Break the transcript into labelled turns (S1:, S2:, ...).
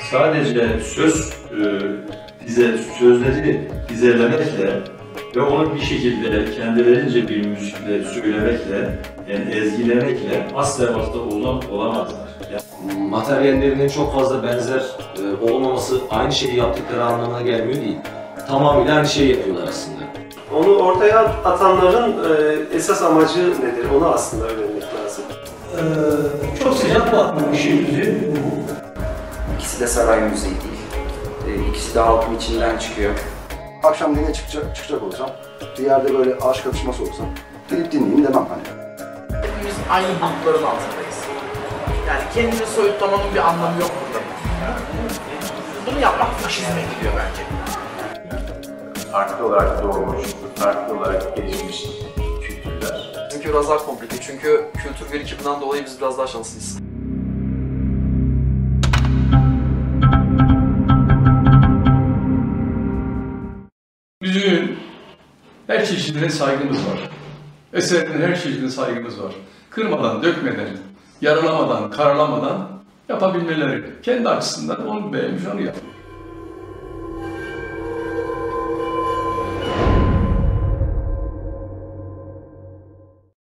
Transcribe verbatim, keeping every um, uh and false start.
S1: sadece söz e, dize, sözleri dizelemekle ve onu bir şekilde kendilerince bir müzikle söylemekle, yani ezgilemekle asla asla olan, olamazlar. Yani,
S2: materyallerinin çok fazla benzer e, olmaması aynı şeyi yaptıkları anlamına gelmiyor değil. Tamamıyla aynı şeyi yapıyorlar aslında.
S3: Onu ortaya atanların e, esas amacı nedir? Onu aslında öğrenmek lazım.
S4: Ee, çok sıcak bakmıyor işin yüzü.
S5: İkisi de saray müziği değil. Ee, İkisi de halkın içinden çıkıyor.
S6: Akşam dinle çıkacak, çıkacak olsam, bir yerde böyle aşk atışması olsa, gidip dinleyeyim demem hani.
S7: Hepimiz aynı bulutların altındayız. Yani kendini soyutlamanın bir anlamı yok burada. Bunu yapmak faşizme gidiyor bence.
S8: Farklı olarak doğmuş, farklı olarak gelişmiş kültürler.
S9: Çünkü biraz daha komplike. Çünkü kültür birikiminden dolayı biz biraz daha şanslıyız.
S10: Müziğin her çeşidine saygımız var. Eserin her çeşidine saygımız var. Kırmadan, dökmeden, yaralamadan, karalamadan yapabilmeleri. Kendi açısından onu beğenmiş, onu yapıyor.